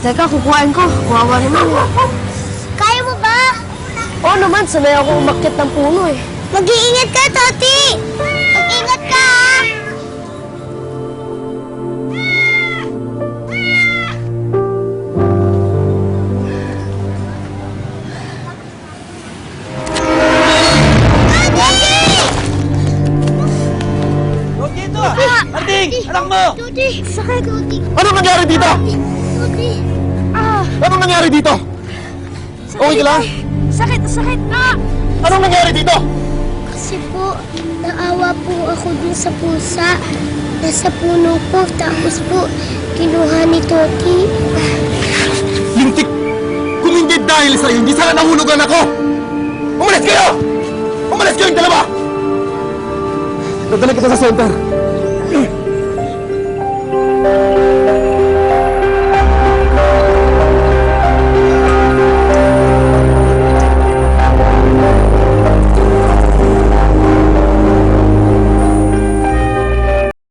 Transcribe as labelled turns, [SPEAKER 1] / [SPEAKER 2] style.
[SPEAKER 1] Teka, kukuhain ko. Kawawa naman eh.
[SPEAKER 2] Kaya mo ba?
[SPEAKER 1] Oo naman, sanay ako umakyat ng puno eh.
[SPEAKER 2] Mag-iingat ka, Toti! Mag-ingat ka, ha?
[SPEAKER 3] Dito! Marting! Anak mo!
[SPEAKER 2] Toti! Sakit! Toti!
[SPEAKER 4] Anong nangyari dito?
[SPEAKER 2] Toti!
[SPEAKER 4] Anong nangyari dito? Okay ka lang?
[SPEAKER 1] Sakit! Sakit! Ah!
[SPEAKER 4] Anong nangyari dito?
[SPEAKER 2] Kasi po, naawa po ako dun sa pusa. Nasa puno po, tapos po, kinuha ni Toti.
[SPEAKER 4] Lintik! Kung hindi dahil sa'yo, hindi sana nahulugan ako! Umalis kayo! Umalis kayong dalawa! Dadala kita sa center.